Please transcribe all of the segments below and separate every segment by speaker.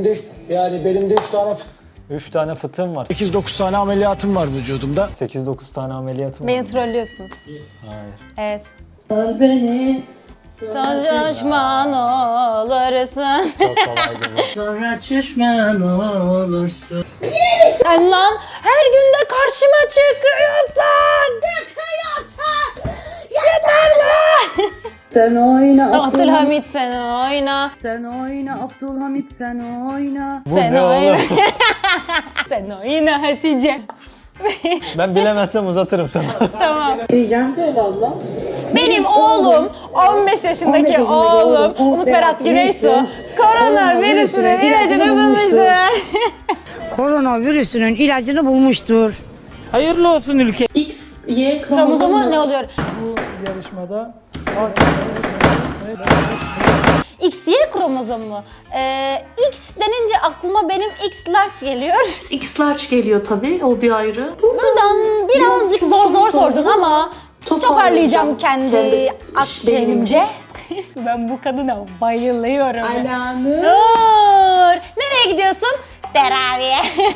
Speaker 1: Yani benim de
Speaker 2: 3 tane fıtığım var.
Speaker 1: 8-9 tane ameliyatım var vücudumda.
Speaker 2: 8-9 tane ameliyatım var.
Speaker 3: Beni trollüyorsunuz.
Speaker 2: Hayır.
Speaker 3: Evet.
Speaker 4: Öl beni.
Speaker 3: Sonra düşman olursun.
Speaker 2: Çok kolaydı bu.
Speaker 4: Sonra düşman olursun.
Speaker 3: Sen lan her gün de karşıma çıkıyorsun. Yeter be.
Speaker 4: Sen oyna
Speaker 3: Abdülhamit sen oyna.
Speaker 4: Sen oyna Abdülhamit sen oyna.
Speaker 2: Bu
Speaker 3: Sen
Speaker 2: ne
Speaker 3: oyna.
Speaker 2: oğlum?
Speaker 3: Sen oyna Hatice.
Speaker 2: Ben bilemezsem uzatırım sana.
Speaker 3: Tamam.
Speaker 4: Diyeceğim söyle abla.
Speaker 3: Benim oğlum 15 yaşındaki
Speaker 4: 15 yaşındaki
Speaker 3: oğlum Umut Berat Güneysu koronavirüsünün ilacını bulmuştur.
Speaker 5: Koronavirüsünün ilacını bulmuştur.
Speaker 6: Hayırlı olsun ülke.
Speaker 4: X, Y
Speaker 3: Kromozomu ne oluyor?
Speaker 1: Yarışmada
Speaker 3: XY kromozomu. X denince aklıma benim X large geliyor.
Speaker 7: X large geliyor tabii, o bir ayrı.
Speaker 3: Buradan birazcık zor sordun ama toparlayacağım kendi akciğerimce. Ben bu kadına bayılıyorum.
Speaker 7: Alanı.
Speaker 3: Dur. Nereye gidiyorsun? Teraviye.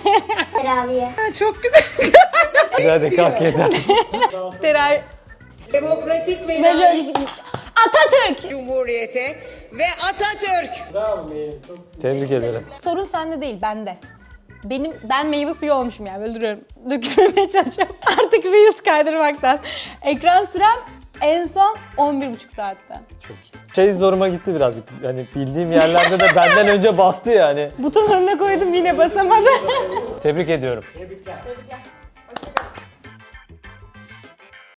Speaker 2: Hadi kalk yeter.
Speaker 3: Teraviye.
Speaker 8: Demokratik ve
Speaker 3: Atatürk.
Speaker 8: Cumhuriyete ve Atatürk.
Speaker 2: Tebrik ederim.
Speaker 3: Sorun sende değil, bende. Ben meyve suyu olmuşum yani, böyle duruyorum. Dökülmemeye çalışıyorum. Artık Reels kaydırmaktan. Ekran sürem en son 11,5 saatten.
Speaker 2: Çok iyi. Şey zoruma gitti birazcık. Yani bildiğim yerlerde de benden önce bastı yani.
Speaker 3: Buton önüne koydum, yine basamadım.
Speaker 2: Tebrik ediyorum.
Speaker 3: Tebrikler.